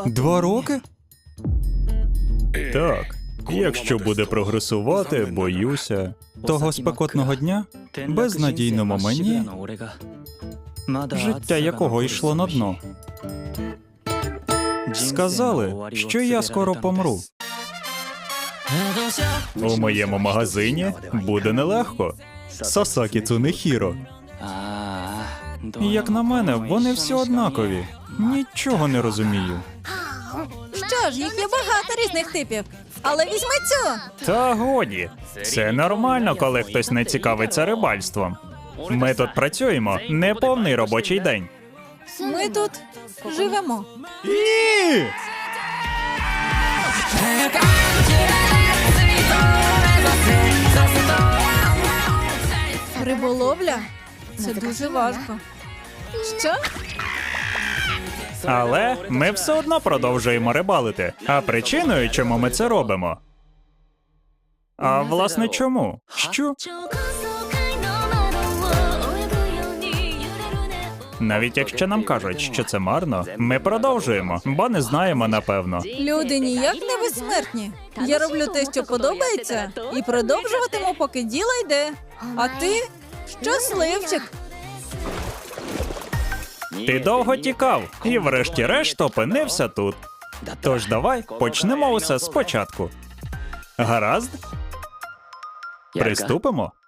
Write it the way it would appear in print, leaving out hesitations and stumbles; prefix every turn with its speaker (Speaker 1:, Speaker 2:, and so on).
Speaker 1: 2 роки?
Speaker 2: Так. Якщо буде прогресувати, боюся.
Speaker 1: Того спекотного дня? Безнадійному мені, життя якого йшло на дно. Сказали, що я скоро помру.
Speaker 2: У моєму магазині буде нелегко. Сасакі Цунехіро.
Speaker 1: Як на мене, вони всі однакові. Нічого не розумію.
Speaker 3: Що ж, їх є багато різних типів. Але візьми цю.
Speaker 2: Та годі. Це нормально, коли хтось не цікавиться рибальством. Ми тут працюємо неповний робочий день.
Speaker 3: Ми тут живемо.
Speaker 2: Ні!
Speaker 3: Риболовля? Це дуже важко. Що?
Speaker 2: Але ми все одно продовжуємо рибалити. А причиною, чому ми це робимо? А власне чому? Що? Навіть якщо нам кажуть, що це марно, ми продовжуємо, бо не знаємо напевно.
Speaker 3: Люди ніяк не безсмертні. Я роблю те, що подобається, і продовжуватиму, поки діло йде. А ти? Щасливчик.
Speaker 2: Ти довго тікав і врешті-решт опинився тут. Тож давай почнемо усе спочатку. Гаразд? Приступимо?